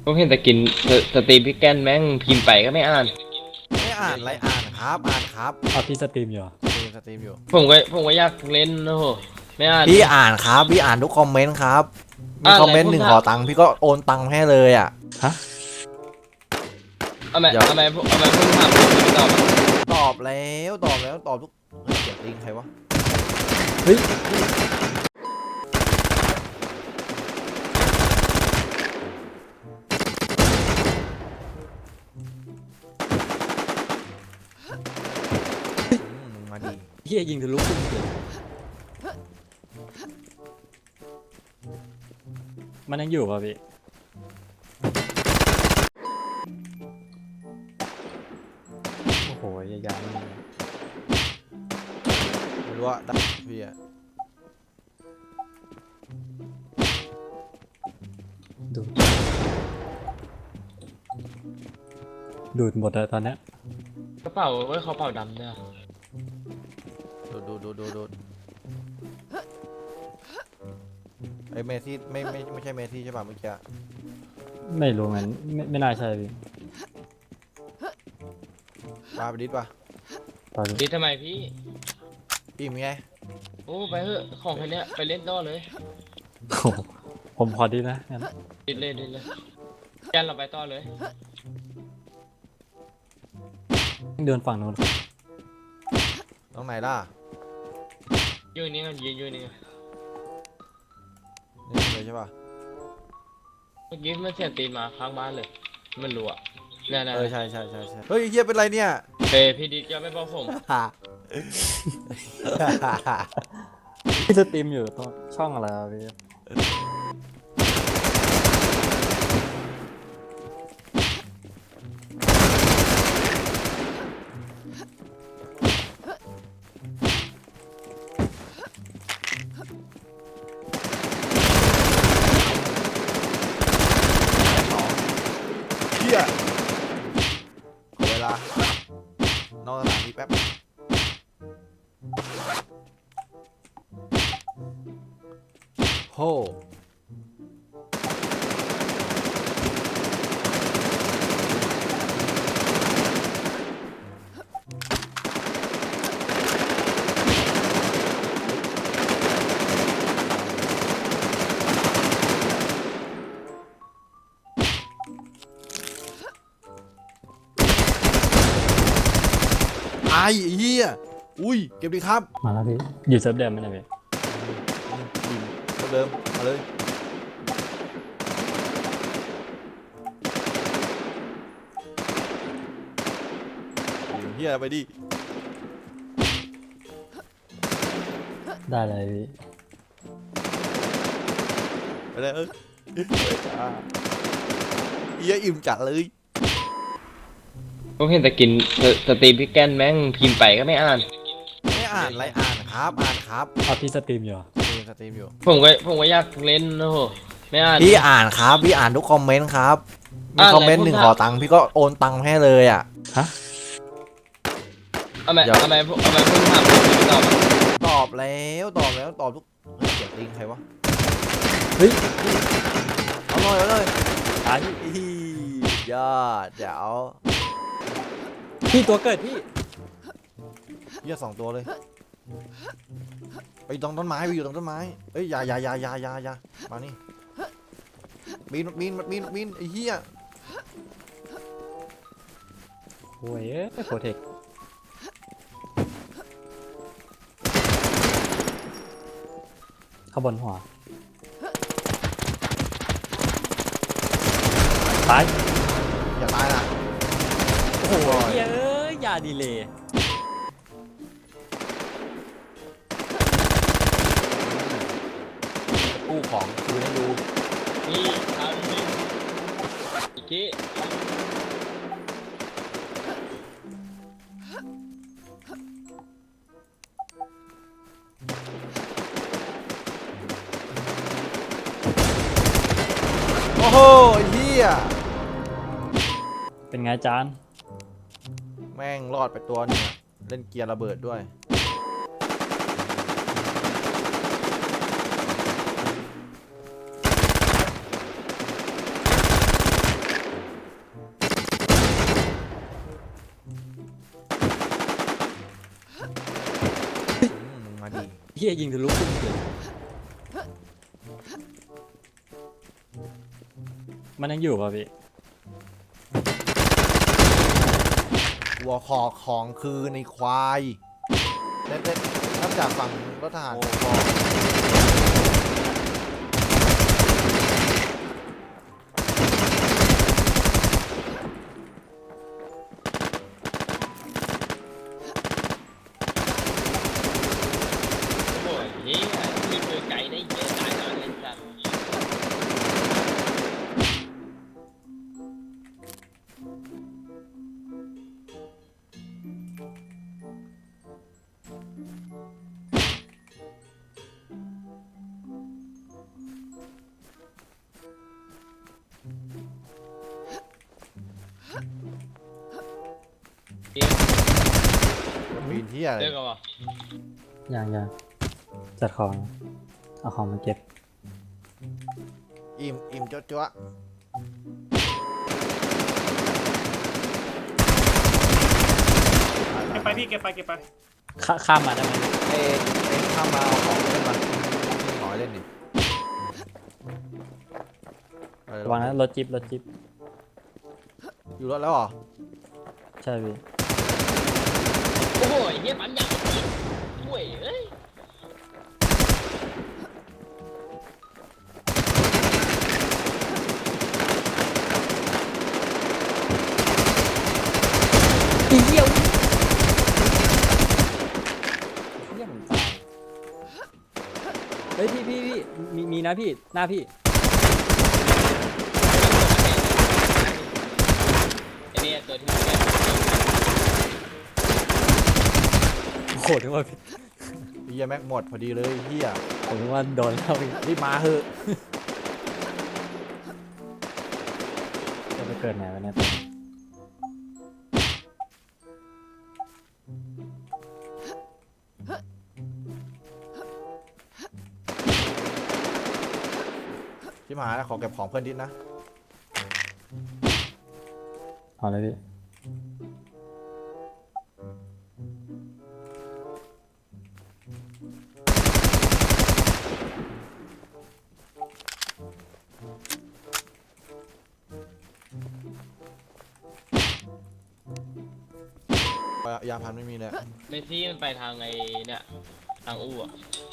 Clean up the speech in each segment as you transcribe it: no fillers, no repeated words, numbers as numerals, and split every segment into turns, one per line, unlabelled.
ผมเห็นแต่กินสตรีมพี่แกนแม่งพิมพ์ไปก็ไม่อ่าน
ไม่อ่านอะไรอ่านครับอ่านครับ
พี่สตรีมอยู่เหรอ
สตรีมอยู่
ผมก็อยากเล่นโอ้โหไม่อ่าน
พี่อ่านครับพี่อ่านทุกคอมเมนต์ครับมีคอมเมนต์หนึ่งขอตังค์พี่ก็โอนตังค์ให้เลยอ่ะ
ฮะ
เอาไหมผมถามผมไม่ตอบ
ตอบแล้วตอบทุกเสียงติงใครวะ
เฮ้ย
มาดี
เฮียยิงทะลุพุ่งเกินมันยังอยู่ป่ะพี่โอ้โหยาวๆนี่
ไม่รู้ว่าดักพี่อะ
ดูดดูดหมดเลยตอนเนี้ย
กระเป๋าไว้เขาเป๋าดำเนี่ย
ดูไอ้เมซี่ไม่ใช่เมซี่ใช่ป่ะเมื่อกี้
ไม่รู้มันไม่น่าใช่พี่
ปาไปดิสป่ะ
ตอนนี้
ดีทำไมพี่
อิ่มไง
โอ้ไปเถอะของแค่เนี้ยไปเล่นต่อเลย
โอ้โหผมพอดีนะงั้น
ดิเลยแกนเราไปต่อเลย
เดินฝั่งโน้น
ตรงไหนล่ะ
ยืนนี่กันยืนนี่กัน
นี่เลยใช่ป่ะ
เมื่อกี้มันเสียงตีนมาข้างบ้านเลยมันรัวเนี่ย
ใช่เฮ้ยเฮียเป็นไรเนี่ย
พี่ดิจะไม่บอกผม
พี่สตรีมอยู่ตรงช่องอะไรอะพี่
เฮียขอเวลานอกสถานที่แป๊บโหไอ้เหี้ยอุ้ยเก็บดีครับ
มาแล้วพี่อยู่เซิร์ฟเดิมไหมเนี่ยพี่
เดิมมาเลยเฮียไปดิ
ได้เลยพี่
ไปเลยเฮียอิ่มจัดเลย
ผมเห็นแต่กินสตรีมพี่แกนแม่งพิมพ์ไปก็ไม่อ่าน
ไม่อ่านอะไรอ่านครับอ่านครับ
พี่สตรีมอยู่เหรอ
สตรีมอยู่
ผมก็อยากเล่นโอ้โหไม่อ่าน
พี่อ่านครับพี่อ่านทุกคอมเมนต์ครับมีคอมเมนต์หนึ่งขอตังค์พี่ก็โอนตังค์ให้เลยอ่ะ
ฮะ
เอาไหมผมถามผมไม่ตอบ
ตอบแล้วตอบทุกเสียงติงใครวะ
เฮ้ย
เอาเลย
ตาย
ยอดเดี๋ยว
พี่ตัวเกิดพี่
เหี้ย2 ตัวเลยไปตรงต้นไม้ไปอยู่ตรงต้นไม้เอ้ยอย่ามานี่บินไอ้เหี้ย
โอ้ยโปรเทคข้างบนหัวตาย
อย่าตายนะ
โอ้โหอย่าดีเลย
กู้ของคืนให้ดู
นี่ทำนี่อีกที
โอ้โหเหี้ย
เป็นไงจาน
แม่งรอดไปตัวนึงเล่นเกียร์ระเบิดด้วย
เฮียยิงทะลุพุ่งเลยมันยังอยู่ป่ะพี่
หัวขอของคือในควายเด็ดๆนับจากฝั่งรถทหารบอก
โอ้ยเฮียมีปืนไกลได้เยอะตายแล้วเลยสัตว์เฮีย
ปีนที่อะไร
เลิกกันวะ
ยังจัดของเอาของมาเก็บ
อิ่มจ๊วะ
เก็บไปพี่เก็บไป
ข้ามมาได้ไหม
เอ็งข้ามมาเอาของเล่นมาหน่อยเล่นดิไประ
วังนะรถจิ๊บ
อยู่รถแล้วเหรอ
ใช่พี่
โอ้โหเฮียปั๊มยางช่วยเอ้ย
เฮียผมตายเฮ้ยพี่มีนะพี่หน้าพี่
ไอ้เนี่ยตัวที่มันแก
โหนึกว่าพี่
เฮียแม็กหมดพอดีเลยเฮีย
ผมนึกว่าโดนเข้าพี่
รีบมาเถอะ
จะไปเกิดไหนวะเนี่ย
ชิบหายแล้วขอเก็บของเพื่อนดิดนะ
เอาเลยพี่
ยาพันไม่มีเลย
เมสซี่มันไปทางไอ้เนี่ยทางอู้อ่ะ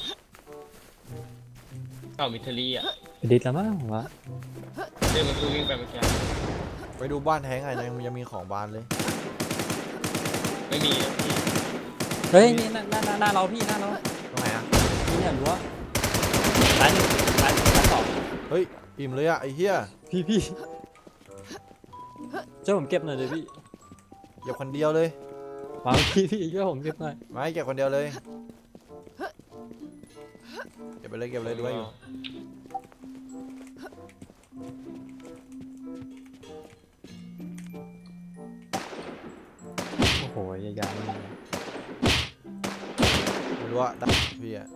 เก่ามิทลีอ่ะ
ไปดิสแล้วมั้งผมว่า
เรื่องมันคือวิ่งไปเมื่อกี้
ไปดูบ้านแท้งไงยังมีของบ้านเลย
ไม่มีเลยพี่
เฮ้ยนี่หน้าเราพี่หน้าเรา
ตรงไหนอ่ะ
นี่เนี่ยรั้วร้านหนึ่งร้านสอง
เฮ้ยอิ่มเลยอ่ะไอ้เฮีย
พี่เจ้าผมเก็บหน่อยเลยพี่
เก็บคนเดียวเลย
มาพี่ช่วยผมเก็บหน่อย
ไม่เก็บคนเดียวเลยเก็บไปเลยดูไว้อยู่
โอ้โหยาวๆนี่
ไม่รู้ว่าได้พี่อะ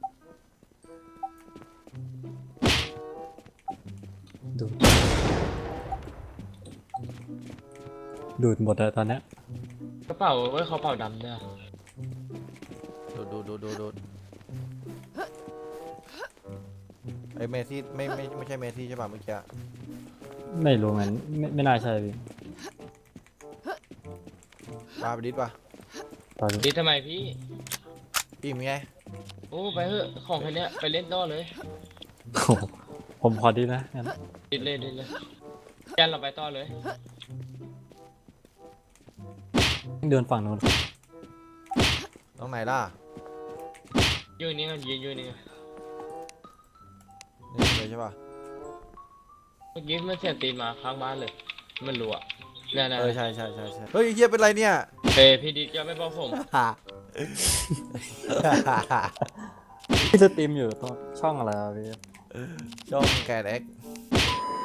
ดูดหมดเลยตอนเนี้ย
กระเป๋าไว้เขาเป๋าดำเนี่ย
ดูไอ้เมซี่ไม่ใช่เมซี่ใช่ป่ะเมื่อกี้อะ
ไม่รู้งั้นไม่น่าใช่พี่
ปาไปดิดป่ะ
ตอนนี้
ดีทำไมพี่
อิ่มไง
โอ้ไปเถอะของคันเนี้ยไปเล่นต่อเลย
โอ้โหผมพอดีนะงั้น
ดิดเลยแกนเราไปต่อเลย
เดินฝั่งนู้น
ตรงไหนล่ะ
ยืนนี่กันยืนนี่กัน
นี่เลยใช่ป่ะ
เมื่อกี้มันเสียงตีนมาข้างบ้านเลยมันรัวเนี่ย
ใช่เฮ้ยเฮียเป็นไรเนี่ย
เฮ้ยพี่ดิดก็ไม่บอกผม
พี่สตรีมอยู่ตรงช่องอะไรวะพี่
ช่องแกดเอ็ก